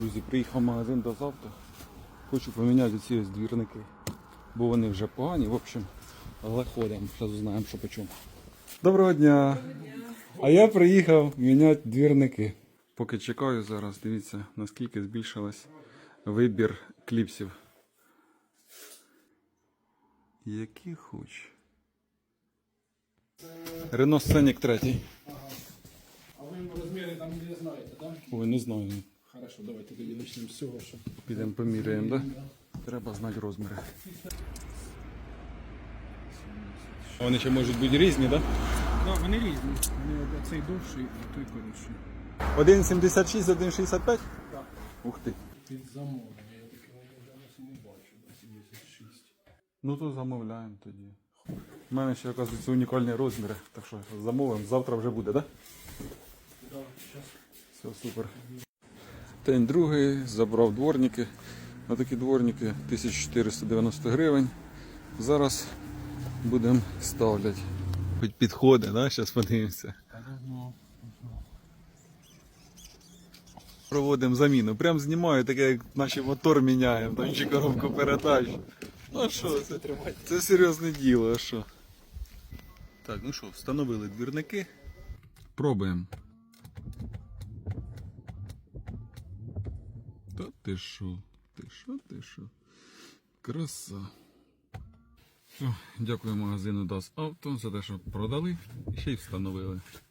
Друзі, приїхав в магазин до завтра. Хочу поміняти ці ось двірники, бо вони вже погані, в общем, але ходимо, зараз узнаємо, що по чому. Доброго дня! А я приїхав міняти двірники. Поки чекаю зараз, дивіться, наскільки збільшилась вибір кліпсів. Які хоч. Рено Сценік 3. А ви розміри там не знаєте, так? Ой, не знаю. Хорошо, давайте тоді почнемо з цього, що... Підемо поміряємо, так? Да? Треба знати розміри. Вони ще можуть бути різні, так? Так, вони різні. Вони цей довший, а той коротший. 1,76, 1,65? Так. Ух ти. Під замовлення, я таке зараз не бачу, 76. Ну то замовляємо тоді. У мене ще, оказується, унікальні розміри, так що замовимо, завтра вже буде, так? Да? Так, зараз. Все, супер. День другий, забрав дворники. Отакі дворники 1490 гривень. Зараз будемо ставляти. Хоч підходи, да? Зараз подивимося. Проводимо заміну. Прям знімаю, таке як наші мотор міняємо, там чи коробку передач. Ну що, це серйозне діло, а що? Так, ну що, встановили двірники. Пробуємо. Та ти що? Ти що? Краса. Все, дякую магазину Das Auto за те, що продали і ще й встановили.